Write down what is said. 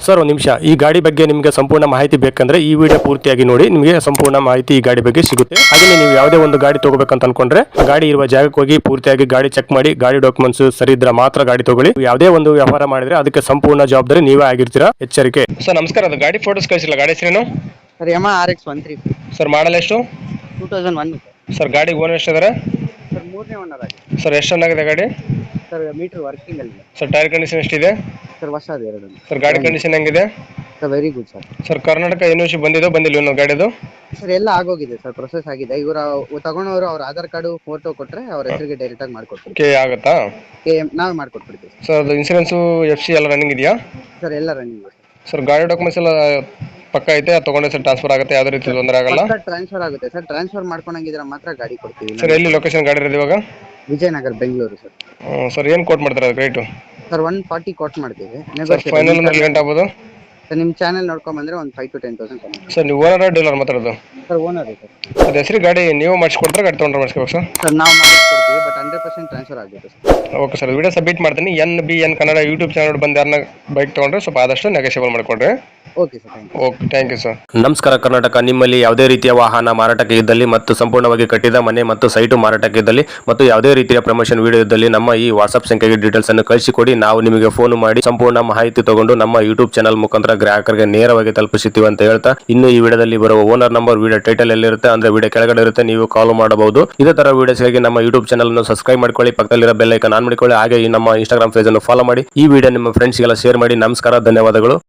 Sir ಒಂದು ನಿಮಿಷ, ಈ ಗಾಡಿ ಬಗ್ಗೆ ನಿಮಗೆ ಸಂಪೂರ್ಣ ಮಾಹಿತಿ ಬೇಕಂದ್ರೆ ಈ ವಿಡಿಯೋ ಪೂರ್ತಿಯಾಗಿ ನೋಡಿ, ನಿಮಗೆ ಸಂಪೂರ್ಣ ಮಾಹಿತಿ ಈ ಗಾಡಿ ಬಗ್ಗೆ ಸಿಗುತ್ತೆ. ಹಾಗೆ ನೀವು ಯಾವುದೇ ಒಂದು ಗಾಡಿ ತಗೋಬೇಕಂತ ಅನ್ಕೊಂಡ್ರೆ ಗಾಡಿ ಇರುವ ಜಾಗಕ್ಕೆ ಹೋಗಿ ಪೂರ್ತಿಯಾಗಿ ಗಾಡಿ ಚೆಕ್ ಮಾಡಿ, ಗಾಡಿ ಡಾಕ್ಯುಮೆಂಟ್ಸ್ ಸರಿ ಇದ್ರೆ ಮಾತ್ರ ಗಾಡಿ ತಗೊಳ್ಳಿ. ಯಾವುದೇ ಒಂದು ವ್ಯವಹಾರ ಮಾಡಿದ್ರೆ ಅದಕ್ಕೆ ಸಂಪೂರ್ಣ ಜವಾಬ್ದಾರಿ ನೀವೇ ಆಗಿರ್ತೀರಾ, ಎಚ್ಚರಿಕೆ. ಸರ್ ನಮಸ್ಕಾರ, ಅದು ಗಾಡಿ ಫೋಟೋಸ್ ಕಳಿಸಿಲ್ಲ, ಗಾಡಿ ಹೆಸರೇನು? ಸರ್ ಯಮ RX-130 ಸರ್ ಮಾಡಲ್ ಎಷ್ಟು? 2001 ಸರ್ ಗಾಡಿ ಓನರ್ ಎಷ್ಟಿದ್ದಾರೆ? ಸರ್ ಮೂರನೇ ಓನರ್ ಆಗಿದೆ. ಸರ್ ಎಷ್ಟು ಚೆನ್ನಾಗಿದೆ ಗಾಡಿ? ಸರ್ ಮೀಟರ್ ವರ್ಕಿಂಗ್ ಅಲ್ಲಿ ಸರ್ ಟೈರ್ ಕಂಡೀಷನ್ ಎಷ್ಟಿದೆ? ಸರ್ ಹೊಸದು ಎರಡು. ಸರ್ ಗಾಡಿ ಕಂಡೀಷನ್ ಹೆಂಗಿದೆ? Sir very good sir. Sir Karnataka university ಬಂದಿದೆ ಬಂದಿಲ್ಲ ಇನ್ನೂ ಗಾಡಿದು? ಸರ್ ಎಲ್ಲ ಆಗೋಗಿದೆ ಸರ್, ಪ್ರೊಸೆಸ್ ಆಗಿದೆ. ಇವರು ತಗೊಂಡವರು ಅವ್ರ ಆಧಾರ್ ಕಾರ್ಡು ಫೋಟೋ ಕೊಟ್ರೆ ಅವ್ರ ಹೆಸರಿಗೆ ಡೈರೆಕ್ಟ್ ಆಗಿ ಮಾಡ್ಕೊಡ್ತೀವಿ. ಓಕೆ, ಆಗುತ್ತಾ? ನಾವೇ ಮಾಡ್ಕೊಟ್ಬಿಡ್ತೀವಿ ಸರ್ ಅದು ಇನ್ಸೂರೆನ್ಸು FC ಎಲ್ಲ ರನ್ನಿಂಗ್ ಇದೆಯಾ? ಸರ್ ಎಲ್ಲ ರನ್ನಿಂಗ್. ಸರ್ ಗಾಡಿ ಡಾಕ್ಯುಮೆಂಟ್ಸ್ ಎಲ್ಲ ಪಕ್ಕ ಐತೆ, ಅದು ತಗೊಂಡ್ರೆ ಸರ್ ಟ್ರಾನ್ಸ್ಫರ್ ಆಗುತ್ತೆ, ಯಾವುದೇ ರೀತಿ ತೊಂದರೆ ಆಗಲ್ಲ? ಟ್ರಾನ್ಸ್ಫರ್ ಆಗುತ್ತೆ ಸರ್. ಟ್ರಾನ್ಸ್ಫರ್ ಮಾಡ್ಕೊಂಡಂಗಿದ್ರೆ ಮಾತ್ರ ಗಾಡಿ ಕೊಡ್ತೀವಿ. ಸರ್ ಎಲ್ಲಿ ಲೊಕೇಶನ್ ಗಾಡಿ ಇರೋದು ಇವಾಗ? ವಿಜಯನಗರ, ಬೆಂಗಳೂರು ಸರ್. ಸರ್ ಏನು ಕೋಟ್ ಮಾಡ್ತಾರೆ ಅದು ರೇಟು? ಸರ್ 140 ಕೋಟ್ ಮಾಡ್ತೀವಿ. ಫೈನಲ್ ಅಂದ್ರೆ ಗಂಟೆ ಆಗ್ಬೋದು? ಸರ್ ನಿಮ್ಮ ಚಾನಲ್ ನೋಡ್ಕೊಂಡ್ ಬಂದ್ರೆ ಒಂದು 5 to 10,000 ಕಮ್ಮಿ. ಸರ್ ನೀವು ಓನರ್ ಡೀಲರ್ ಮಾತಾಡೋದು? Sir owner sir. ಅದು ಹೆಸರು ಗಾಡಿ ನೀವು ಮಾಡಿಸ್ಕೊಡ್ತಾರೆ, ಗಾಡಿ ತೊಗೊಂಡ್ರೆ ಮಾಡಿಸ್ಕೋಬೇಕು ಸರ್? ಸರ್ ನಾವು ಮಾಡಿಸ್ಕೊಡ್ತೀವಿ, ಬಟ್ 100% ಟ್ರಾನ್ಸ್ಫರ್ ಆಗುತ್ತೆ sir. Okay sir, video submit ಮಾಡ್ತೀನಿ. NBN ಕನ್ನಡ ಯೂಟ್ಯೂಬ್ ಚಾನಲ್ ಬಂದು ಯಾರನ್ನ ಬೈಕ್ ತೊಗೊಂಡ್ರೆ ಸ್ವಲ್ಪ ಆದಷ್ಟು ನೆಗೋಷಿಯಬಲ್ ಮಾಡಿಕೊಡ್ರಿ. Okay sir, thank you. Okay, thank you sir. ನಮಸ್ಕಾರ ಕರ್ನಾಟಕ, ನಿಮ್ಮಲ್ಲಿ ಯಾವುದೇ ರೀತಿಯ ವಾಹನ ಮಾರಾಟಕ್ಕೆ ಇದ್ದಲ್ಲಿ ಮತ್ತು ಸಂಪೂರ್ಣವಾಗಿ ಕಟ್ಟಿದ ಮನೆ ಮತ್ತು ಸೈಟು ಮಾರಾಟಕ್ಕೆ ಇದ್ದಲ್ಲಿ ಮತ್ತು ಯಾವುದೇ ರೀತಿಯ ಪ್ರಮೋಷನ್ ವಿಡಿಯೋ ಇದ್ದಲ್ಲಿ ನಮ್ಮ ಈ ವಾಟ್ಸ್ಆಪ್ ಸಂಖ್ಯೆಗೆ ಡೀಟೇಲ್ಸ್ ಅನ್ನು ಕಳಿಸಿಕೊಡಿ. ನಾವು ನಿಮಗೆ ಫೋನ್ ಮಾಡಿ ಸಂಪೂರ್ಣ ಮಾಹಿತಿ ತಗೊಂಡು ನಮ್ಮ ಯೂಟ್ಯೂಬ್ ಚಾನಲ್ ಮುಖಾಂತರ ಗ್ರಾಹಕರಿಗೆ ನೇರವಾಗಿ ತಲುಪಿಸುತ್ತೀವಿ ಅಂತ ಹೇಳ್ತಾ, ಇನ್ನು ಈ ವಿಡಿಯೋದಲ್ಲಿ ಬರುವ ಓನರ್ ನಂಬರ್ ವಿಡಿಯೋ ಟೈಟಲ್ ಎಲ್ಲಿರುತ್ತೆ ಅಂದ್ರೆ ವಿಡಿಯೋ ಕೆಳಗಡೆ ಇರುತ್ತೆ, ನೀವು ಕಾಲ್ ಮಾಡಬಹುದು. ಇದೇ ತರ ವಿಡಿಯೋಸ್ಗಾಗಿ ನಮ್ಮ ಯೂಟ್ಯೂಬ್ ಚಾನಲ್ ಅನ್ನು ಸಬ್ಸ್ಕ್ರೈಬ್ ಮಾಡ್ಕೊಳ್ಳಿ, ಪಕ್ಕದಲ್ಲಿರೋ ಬೆಲ್ ಐಕಾನ್ ಆನ್ ಮಾಡಿಕೊಳ್ಳಿ. ಹಾಗೆ ಈ ನಮ್ಮ ಇನ್ಸ್ಟಾಗ್ರಾಮ್ ಪೇಜ್ ಅನ್ನು ಫಾಲೋ ಮಾಡಿ, ಈ ವಿಡಿಯೋ ನಿಮ್ಮ ಫ್ರೆಂಡ್ಸ್ಗೆಲ್ಲ ಶೇರ್ ಮಾಡಿ. ನಮಸ್ಕಾರ, ಧನ್ಯವಾದಗಳು.